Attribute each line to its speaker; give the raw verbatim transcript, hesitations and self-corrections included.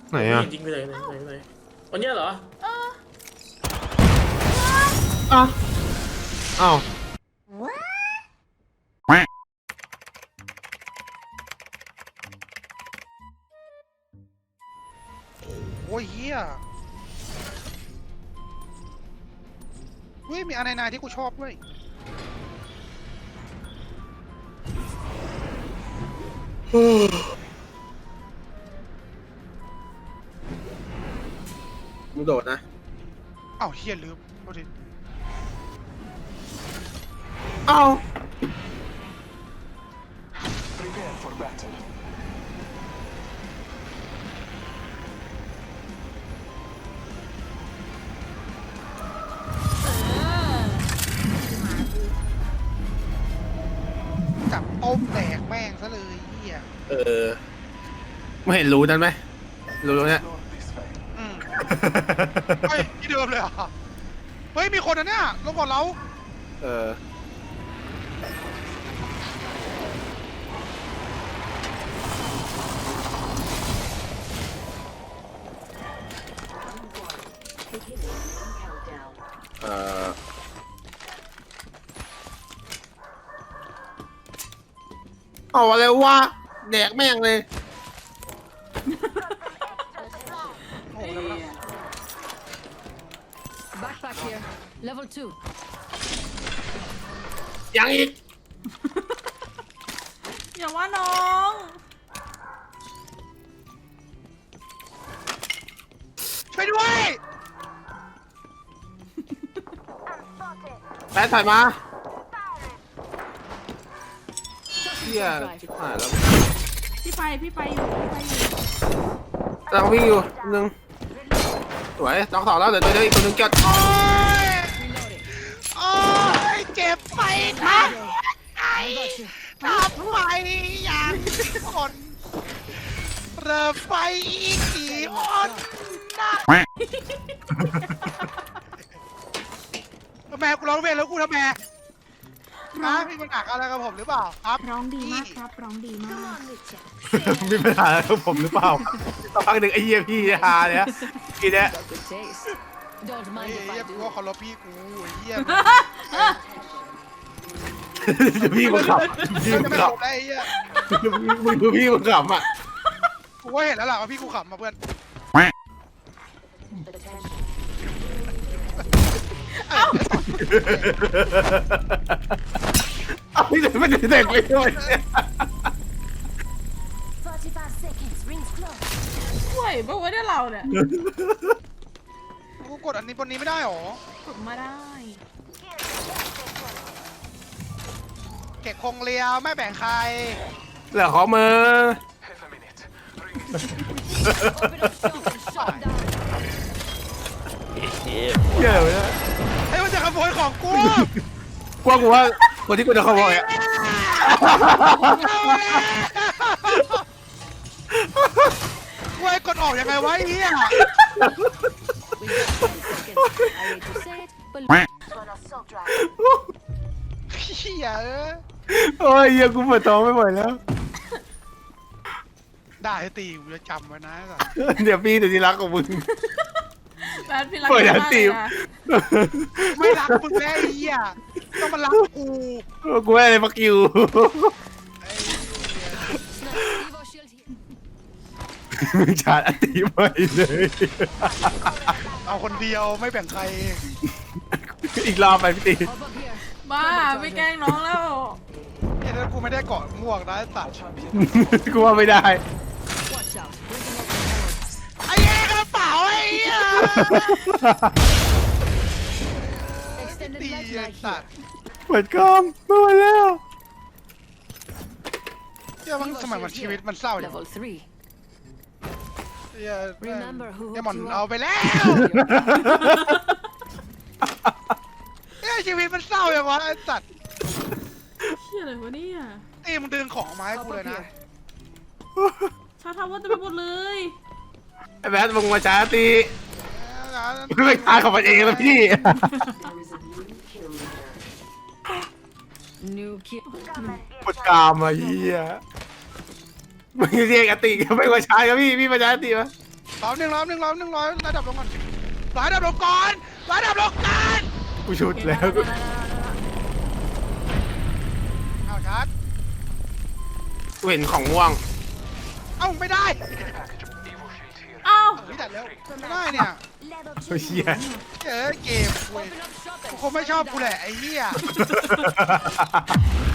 Speaker 1: ไหนอ่ะ
Speaker 2: จริงไปเลยไหนไหนไหนวันนี้เหรอ
Speaker 1: อ้าวอ้าว
Speaker 3: โอ้ยเฮียเฮ้ยมีอะไรนายที่กูชอบด้วย
Speaker 1: มึงโดดนะ
Speaker 3: อ้าวเฮียลืมโทษที
Speaker 1: อ้าว
Speaker 4: Prepare for battle.
Speaker 3: จับต้มแตกแม่งซะเลยเฮีย
Speaker 1: เออไม่เห็นรู้นั้นไหมรู้ตรงเนี้ย
Speaker 4: Lord this way.
Speaker 3: อืมเฮ้ยที่เดิมเลยเหรอ่ะเฮ้ยมีคนนะเนี่ยลงก่อนเรา
Speaker 1: เออเออเอาอะไรวะแดกแม่งเลย
Speaker 3: โอ้โหแล้วนะ
Speaker 5: Backpack here. Level two.
Speaker 1: ยังอีก
Speaker 6: อย่าว่าน้อง
Speaker 3: ช่วยด้วย
Speaker 1: แป๊ดถ่ายมาเฮียชิบหายแล้ว
Speaker 6: พี่ไปพี่ไปอยู่พี่ไปอยู่
Speaker 1: เราวิ่งอยู่หนึ่งสวยสองสองแล้วเดี๋ยวตัวเดียวอีกคนหนึงเกิด
Speaker 3: โอ้ย
Speaker 5: Reloading.
Speaker 3: โอ้ยเจ็บไปนะไอ้ทำไมอย่างคนเริ่มไปอีกกี่คนนะแม่กูร้องเพลงแล้วกูทำไมนะมีปัญหาอะไรกับผมหรือเปล่าครับ
Speaker 6: ร้องดีมากครับร้องดีมาก
Speaker 1: มีปัญหาอะไรกับผมหรือเปล่าสักพักหนึ่งไอ้เหี้ยพี่ฮาเนี่ยกินเนี่ย
Speaker 5: Got good taste. Don't
Speaker 3: เฮ้
Speaker 5: mind
Speaker 3: ย
Speaker 5: if
Speaker 3: เฮีย
Speaker 5: I
Speaker 3: กู
Speaker 5: do.
Speaker 3: ว่าเคารพพี่กูไอ้เฮีย
Speaker 1: พี่มึงขับพี่
Speaker 3: มัน
Speaker 1: มึ
Speaker 3: จะ
Speaker 1: ง
Speaker 3: ไม่
Speaker 1: ขับ
Speaker 3: จบได้ไอ้เฮีย
Speaker 1: มึงดูพี่มึงขับอ่ะ
Speaker 3: กูว่าเห็นแล้วล่ะว่าพี่กูขำมาเพื่อน
Speaker 1: เอาพี่ไม่ได้เด็กไปด้วย
Speaker 5: forty-five seconds. Rings close.
Speaker 6: ห่วยปะวะเนี่ยเราเนี่ย
Speaker 3: กูกดอันนี้บนนี้ไม่ได้หรอก
Speaker 6: ดมาได้
Speaker 3: เก็บคงเลียวไม่แบ่งใคร
Speaker 1: เหลือของมือ
Speaker 4: Half a minute. Ring it.
Speaker 5: Orbital shock and shot down.
Speaker 1: เยอะเลยนะ
Speaker 3: ไอ้ยมันจะขโมยของกู
Speaker 1: กว่ากูว่าคนที่กูจะขโมยอ่ะ
Speaker 3: กูไอ้กดออกยังไงวะไอ้เหี้ย
Speaker 5: We got ten seconds. I hate to say it, but on assault drive.
Speaker 3: เหี้ยเอ้ย
Speaker 1: โอ้ยเหี้ยกูปวดท้องไม่ไหวแล้ว
Speaker 3: ได้ตีกูจะจำไว้นะไอ้สัส
Speaker 1: เดี๋ยวพี่เดี๋ยวที่รักของมึง
Speaker 6: แบทพี่รัก
Speaker 1: เปิด
Speaker 6: มาก
Speaker 1: อันตี
Speaker 6: เลย
Speaker 1: ม
Speaker 6: นะ
Speaker 3: ไม่รักมึงแล้วไอ้เหี้ยต้องมารักกู
Speaker 1: กูไม่อะไรฟักยู
Speaker 3: ไอ้เหี้ย
Speaker 5: Evo shield here.
Speaker 1: มึงชาร์จอันตีใหม่เลย
Speaker 3: เอาคนเดียวไม่แบ่งใคร
Speaker 1: อีกรอบไปพี่ตี
Speaker 5: Hop up here.
Speaker 6: บ้าไม่แกล้งน้องแล้ว
Speaker 3: เนี่ยถ้ากูไม่ได้เกาะม่วงนะไอ้สัส
Speaker 1: กูว่าไม่ได้
Speaker 5: Watch out. Bringing up the horns.
Speaker 3: ไอ้เหี้ยกระเป๋าไอ้เหี้ย
Speaker 5: Extended
Speaker 3: ตี
Speaker 5: light
Speaker 3: ไอ้
Speaker 5: mag
Speaker 3: สัส
Speaker 5: here.
Speaker 1: เปิดกล้องไม่ไหวแล้ว
Speaker 3: เหี้ยมันสมัยมันชีวิตมันเศร้าอย่าง
Speaker 5: Level three.
Speaker 3: เหี้ย
Speaker 5: Remember who
Speaker 3: เหี้ย
Speaker 5: hooked
Speaker 3: หมอน
Speaker 5: you
Speaker 3: เอา
Speaker 5: up?
Speaker 3: ไปแล้วเหี้ยชีวิตมันเศร้าอย่างวะไอ้สัส
Speaker 6: เชี่ยอะไรวะเนี่ย
Speaker 3: ตีมึงดึงของมาให้
Speaker 5: Hop
Speaker 3: กูเลย
Speaker 5: up
Speaker 3: นะ
Speaker 5: here.
Speaker 6: ชาทำว่าจะไปหมดเลย
Speaker 1: ไอ้แบทมึงมาชาร์จตีไม่ตายของมันเองแล้วพี่
Speaker 5: New kill.
Speaker 1: ปวดกรามอ่ะเฮียมึงเรียกอติไม่มาชาร์จกับพี่พี่มาชาร์จอติปะ
Speaker 3: รอบหนึ่งรอบหนึ่งรอบหนึ่งรอระดับลงก่อนรอระดับลงก่อนรอระดับลงก่อน
Speaker 1: กูชุดแล้ว
Speaker 3: เอาชาร์จ
Speaker 1: กูเห็นของม่วง
Speaker 3: เอ้าไม่ได้
Speaker 6: อ้าว
Speaker 3: พี่แต่แล้วไม่ได้เนี่ย
Speaker 5: Level
Speaker 1: เฮ้ย
Speaker 5: two.
Speaker 1: เหี้ย
Speaker 3: เจอเกมเว้ย
Speaker 5: Open up shop and
Speaker 3: กูคงไม่ชอบกูแหละไอ้เหี้ย